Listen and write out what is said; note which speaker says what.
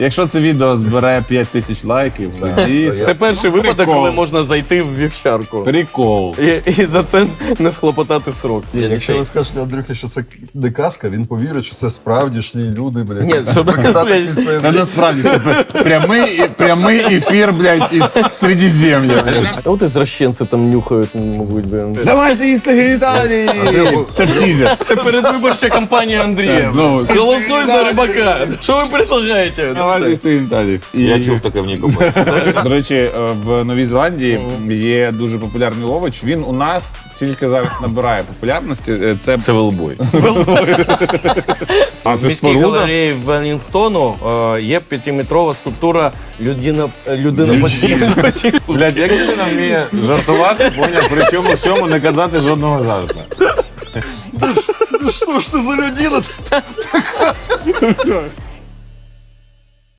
Speaker 1: Якщо це відео збере 5000 лайків, тоді
Speaker 2: Це перший випадок,
Speaker 1: прикол.
Speaker 2: коли можна зайти в вівчарку.
Speaker 1: Прикол.
Speaker 2: І за це не схлопотати срок.
Speaker 3: Ні, якщо ви скажете Андрюхі, що це не казка, він повірить, що це справдішні люди, блядь.
Speaker 2: Ні, що,
Speaker 3: Викидати
Speaker 2: блядь,
Speaker 3: кільце,
Speaker 1: Та насправді це прямий ефір, блядь, із Середзем'я.
Speaker 2: А от извращенці там нюхають, мабуть, блін.
Speaker 1: Давайте їсти геніталії! Це тізер.
Speaker 2: Це передвиборча кампанія Андрія.
Speaker 1: Ну,
Speaker 2: Голосуй за Рибака. Що ви предлагаєте?
Speaker 1: Давайте їсти геніталії.
Speaker 4: Я чув таке в Нікополі.
Speaker 1: До речі, в Новій Зеландії є дуже популярний лович. Він у нас тільки зараз набирає популярності. Це велбой. А
Speaker 2: В
Speaker 1: це
Speaker 2: міській
Speaker 1: споруда?
Speaker 2: галереї Велінгтону є 5-метрова скульптура людина подібна.
Speaker 1: Блядь, як людина вміє жартувати, поняв, при цьому всьому не казати жодного жарту.
Speaker 3: Ну що ж це за людина?
Speaker 1: Все.